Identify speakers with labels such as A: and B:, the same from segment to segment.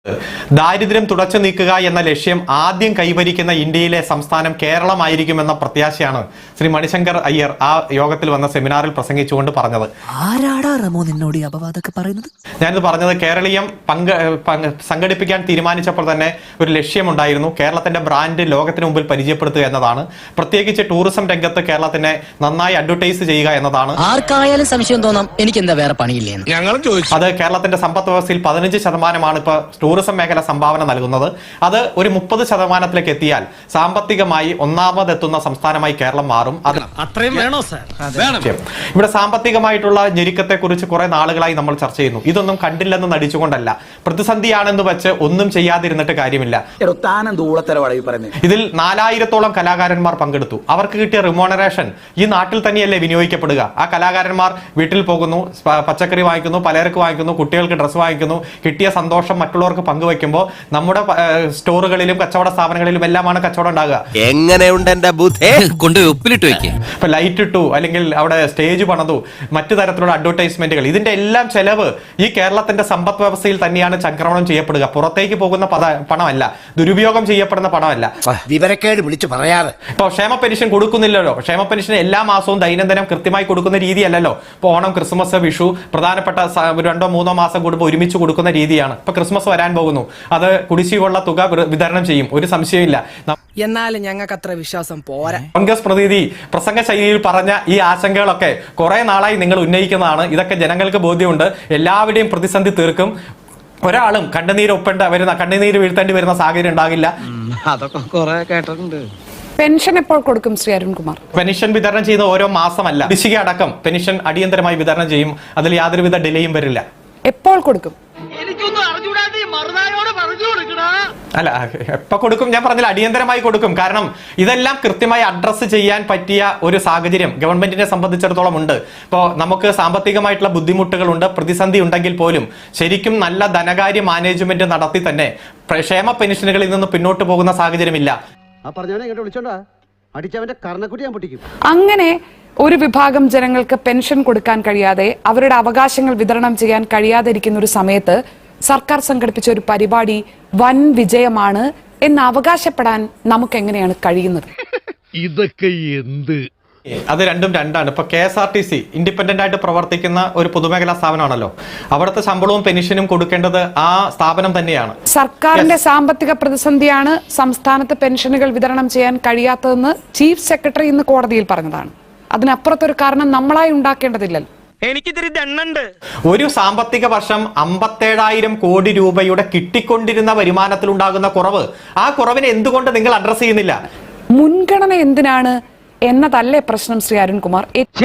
A: ദാരിദ്ര്യം തുടച്ചു നീക്കുക എന്ന ലക്ഷ്യം ആദ്യം കൈവരിക്കുന്ന ഇന്ത്യയിലെ സംസ്ഥാനം കേരളമായിരിക്കുമെന്ന പ്രത്യാശയാണ് ശ്രീ മണിശങ്കർ അയ്യർ ആ യോഗത്തിൽ വന്ന സെമിനാറിൽ പ്രസംഗിച്ചുകൊണ്ട് പറഞ്ഞത്. ഞാനിത് പറഞ്ഞത് കേരളീയം സംഘടിപ്പിക്കാൻ തീരുമാനിച്ചപ്പോൾ തന്നെ ഒരു ലക്ഷ്യമുണ്ടായിരുന്നു, കേരളത്തിന്റെ ബ്രാൻഡ് ലോകത്തിന് മുമ്പിൽ പരിചയപ്പെടുത്തുക എന്നതാണ്. പ്രത്യേകിച്ച് ടൂറിസം രംഗത്ത് കേരളത്തിനെ നന്നായി അഡ്വർടൈസ് ചെയ്യുക എന്നതാണ്.
B: ആർക്കായാലും സംശയം തോന്നാം എനിക്ക് എന്താ വേറെ പണിയില്ലേ.
A: അത് കേരളത്തിന്റെ സമ്പദ് വ്യവസ്ഥയിൽ 15% ഇപ്പൊ ടൂറിസം മേഖല സംഭാവന നൽകുന്നത്. അത് ഒരു 30% എത്തിയാൽ സാമ്പത്തികമായി ഒന്നാമതെത്തുന്ന സംസ്ഥാനമായി കേരളം മാറും. ഇവിടെ സാമ്പത്തികമായിട്ടുള്ള ഞെരുക്കത്തെ കുറിച്ച് കുറെ നാളുകളായി നമ്മൾ ചർച്ച ചെയ്യുന്നു. ഇതൊന്നും കണ്ടില്ലെന്ന് നടിച്ചുകൊണ്ടല്ല, പ്രതിസന്ധിയാണെന്ന് വെച്ച് ഒന്നും ചെയ്യാതിരുന്നിട്ട് കാര്യമില്ല. ഇതിൽ 4000-ഓളം കലാകാരന്മാർ പങ്കെടുത്തു. അവർക്ക് കിട്ടിയ റിമോണറേഷൻ ഈ നാട്ടിൽ തന്നെയല്ലേ വിനിയോഗിക്കപ്പെടുക? ആ കലാകാരന്മാർ വീട്ടിൽ പോകുന്നു, പച്ചക്കറി വാങ്ങിക്കുന്നു, പലചരക്ക് വാങ്ങിക്കുന്നു, കുട്ടികൾക്ക് ഡ്രസ്സ് വാങ്ങിക്കുന്നു, കിട്ടിയ സന്തോഷം മറ്റുള്ളവർക്ക് പങ്കുവെക്കുമ്പോൾ നമ്മുടെ സ്റ്റോറുകളിലും കച്ചവട സ്ഥാപനങ്ങളിലും എല്ലാമാണ് കച്ചവടം ഉണ്ടാകുക.
C: എങ്ങനെയുണ്ട് എന്റെ ബുദ്ധി കൊണ്ട് ഉപ്പിലിട്ട് വെക്കുക.
A: ഇപ്പൊ ലൈറ്റ് ഇട്ടു, അല്ലെങ്കിൽ അവിടെ സ്റ്റേജ് പണിതു, മറ്റു തരത്തിലുള്ള അഡ്വർടൈസ്മെന്റുകൾ, ഇതിന്റെ എല്ലാം ചെലവ് ഈ കേരളത്തിന്റെ സമ്പദ് വ്യവസ്ഥയിൽ തന്നെയാണ് ചംക്രമണം ചെയ്യപ്പെടുക. പുറത്തേക്ക് പോകുന്ന പണമല്ല, ദുരുപയോഗം ചെയ്യപ്പെടുന്ന പണമല്ല.
C: വിവരക്കേട് വിളിച്ചു പറയാതെ.
A: ഇപ്പൊ ക്ഷേമ പെൻഷൻ കൊടുക്കുന്നില്ലല്ലോ. ക്ഷേമ പെൻഷൻ എല്ലാ മാസവും ദൈനംദിനം കൃത്യമായി കൊടുക്കുന്ന രീതിയല്ലല്ലോ. ഇപ്പൊ ഓണം, ക്രിസ്മസ്, വിഷു പ്രധാനപ്പെട്ട 2-3 മാസം കൂടുമ്പോൾ ഒരുമിച്ച് കൊടുക്കുന്ന രീതിയാണ്. ഇപ്പൊ ക്രിസ്മസ് വരാൻ പോകുന്നു, അത് കുടിശ്ശികയുള്ള തുക വിതരണം ചെയ്യും, ഒരു സംശയമില്ല.
B: എന്നാലും ഞങ്ങൾക്ക് അത്ര വിശ്വാസം പോരാ.
A: കോൺഗ്രസ് പ്രതിനിധി പ്രസംഗ ശൈലിയിൽ പറഞ്ഞ ഈ ആശങ്കകളൊക്കെ കുറെ നാളായി നിങ്ങൾ ഉന്നയിക്കുന്നതാണ്. ഇതൊക്കെ ജനങ്ങൾക്ക് ബോധ്യമുണ്ട്. എല്ലാവരുടെയും പ്രതിസന്ധി തീർക്കും. ഒരാളും കണ്ണുനീര് വീഴ്ത്തേണ്ടി വരുന്ന സാഹചര്യം ഉണ്ടാകില്ല.
C: അതൊക്കെ കുറെ കേട്ടിട്ടുണ്ട്.
D: പെൻഷൻ എപ്പോൾ കൊടുക്കും ശ്രീ അരുൺകുമാർ?
A: പെൻഷൻ വിതരണം ചെയ്യുന്ന ഓരോ മാസമല്ല, കുടിശ്ശിക അടക്കം പെൻഷൻ അടിയന്തരമായി വിതരണം ചെയ്യും. അതിൽ യാതൊരുവിധ ഡിലേയും വരില്ല.
D: എപ്പോൾ കൊടുക്കും?
A: അല്ല, എപ്പോ കൊടുക്കും ഞാൻ പറഞ്ഞില്ല, അടിയന്തരമായി കൊടുക്കും. കാരണം ഇതെല്ലാം കൃത്യമായി അഡ്രസ്സ് ചെയ്യാൻ പറ്റിയ ഒരു സാഹചര്യം ഗവൺമെന്റിനെ സംബന്ധിച്ചിടത്തോളം ഉണ്ട്. ഇപ്പോൾ നമുക്ക് സാമ്പത്തികമായിട്ടുള്ള ബുദ്ധിമുട്ടുകളുണ്ട്, പ്രതിസന്ധി ഉണ്ടെങ്കിൽ പോലും ശരിക്കും നല്ല ധനകാര്യ മാനേജ്മെന്റ് നടത്തി തന്നെ ക്ഷേമ പെൻഷനുകളിൽ നിന്ന് പിന്നോട്ട് പോകുന്ന സാഹചര്യമില്ല.
D: അങ്ങനെ ഒരു വിഭാഗം ജനങ്ങൾക്ക് പെൻഷൻ കൊടുക്കാൻ കഴിയാതെ, അവരുടെ അവകാശങ്ങൾ വിതരണം ചെയ്യാൻ കഴിയാതെ ഇരിക്കുന്ന ഒരു സമയത്ത് സർക്കാർ സംഘടിപ്പിച്ച ഒരു പരിപാടി വൻ വിജയമാണ് എന്ന് അവകാശപ്പെടാൻ നമുക്ക് എങ്ങനെയാണ് കഴിയുന്നത്?
E: ഇതൊക്കെ എന്ത്?
A: അത് രണ്ടാണ്. ഇപ്പൊ KSRTC ഇൻഡിപെൻഡന്റ് ആയിട്ട് പ്രവർത്തിക്കുന്ന ഒരു പൊതുമേഖലാ സ്ഥാപനമാണല്ലോ. അവിടുത്തെ ശമ്പളവും പെൻഷനും കൊടുക്കേണ്ടത് ആ സ്ഥാപനം തന്നെയാണ്.
D: സർക്കാരിന്റെ സാമ്പത്തിക പ്രതിസന്ധിയാണ് സംസ്ഥാനത്ത് പെൻഷനുകൾ വിതരണം ചെയ്യാൻ കഴിയാത്തതെന്ന് ചീഫ് സെക്രട്ടറി ഇന്ന് കോടതിയിൽ പറഞ്ഞതാണ്. അതിനപ്പുറത്തൊരു കാരണം നമ്മളായി ഉണ്ടാക്കേണ്ടതില്ലല്ലോ.
B: എനിക്കിതിരി ദണ്ണുണ്ട്.
A: ഒരു സാമ്പത്തിക വർഷം 57,000 കോടി രൂപയുടെ കിട്ടിക്കൊണ്ടിരുന്ന വരുമാനത്തിൽ ഉണ്ടാകുന്ന കുറവ്, ആ കുറവിനെ എന്തുകൊണ്ട് നിങ്ങൾ അഡ്രസ് ചെയ്യുന്നില്ല?
D: മുൻഗണന എന്തിനാണ് എന്നതല്ലേ പ്രശ്നം ശ്രീ അരുൺകുമാർ?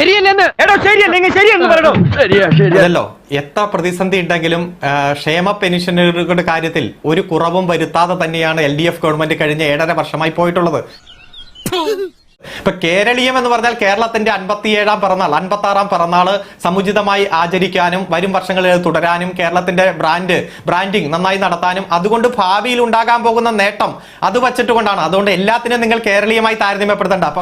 A: അതല്ലോ, എത്ര പ്രതിസന്ധി ഉണ്ടെങ്കിലും ക്ഷേമ പെൻഷനുകളുടെ കാര്യത്തിൽ ഒരു കുറവും വരുത്താതെ തന്നെയാണ് LDF ഗവൺമെന്റ് കഴിഞ്ഞ 7.5 വർഷമായി പോയിട്ടുള്ളത്. ഇപ്പൊ കേരളീയം എന്ന് പറഞ്ഞാൽ കേരളത്തിന്റെ 57-ാം പിറന്നാൾ, 56-ാം പിറന്നാള് സമുചിതമായി ആചരിക്കാനും വരും വർഷങ്ങളിൽ തുടരാനും കേരളത്തിന്റെ ബ്രാൻഡിങ് നന്നായി നടത്താനും അതുകൊണ്ട് ഭാവിയിൽ ഉണ്ടാകാൻ പോകുന്ന നേട്ടം അത് വച്ചിട്ട് കൊണ്ടാണ്. അതുകൊണ്ട് എല്ലാത്തിനും നിങ്ങൾ കേരളീയമായി താരതമ്യപ്പെടുത്തണ്ട.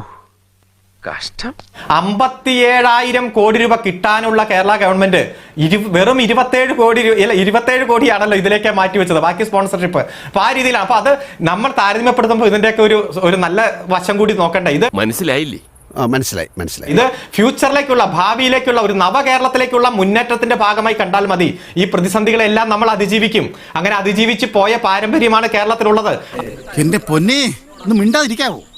A: 57,000 കോടി രൂപ കിട്ടാനുള്ള കേരള ഗവൺമെന്റ് വെറും 27 കോടിയാണല്ലോ ഇതിലേക്ക് മാറ്റിവെച്ചത്, ബാക്കി സ്പോൺസർഷിപ്പ്. അപ്പൊ ആ രീതിയിലാണ്. അപ്പൊ അത് നമ്മൾ താരതമ്യപ്പെടുത്തുമ്പോൾ ഇതിന്റെയൊക്കെ ഒരു നല്ല വശം കൂടി നോക്കണ്ടേ. ഇത്
C: മനസ്സിലായില്ലേ? മനസ്സിലായി.
A: ഇത് ഫ്യൂച്ചറിലേക്കുള്ള, ഭാവിയിലേക്കുള്ള ഒരു നവകേരളത്തിലേക്കുള്ള മുന്നേറ്റത്തിന്റെ ഭാഗമായി കണ്ടാൽ മതി. ഈ പ്രതിസന്ധികളെല്ലാം നമ്മൾ അതിജീവിക്കും. അങ്ങനെ അതിജീവിച്ച് പോയ പാരമ്പര്യമാണ് കേരളത്തിലുള്ളത്.
E: എന്റെ പൊന്നേ, ഒന്ന് മിണ്ടാതിരിക്കാവോ?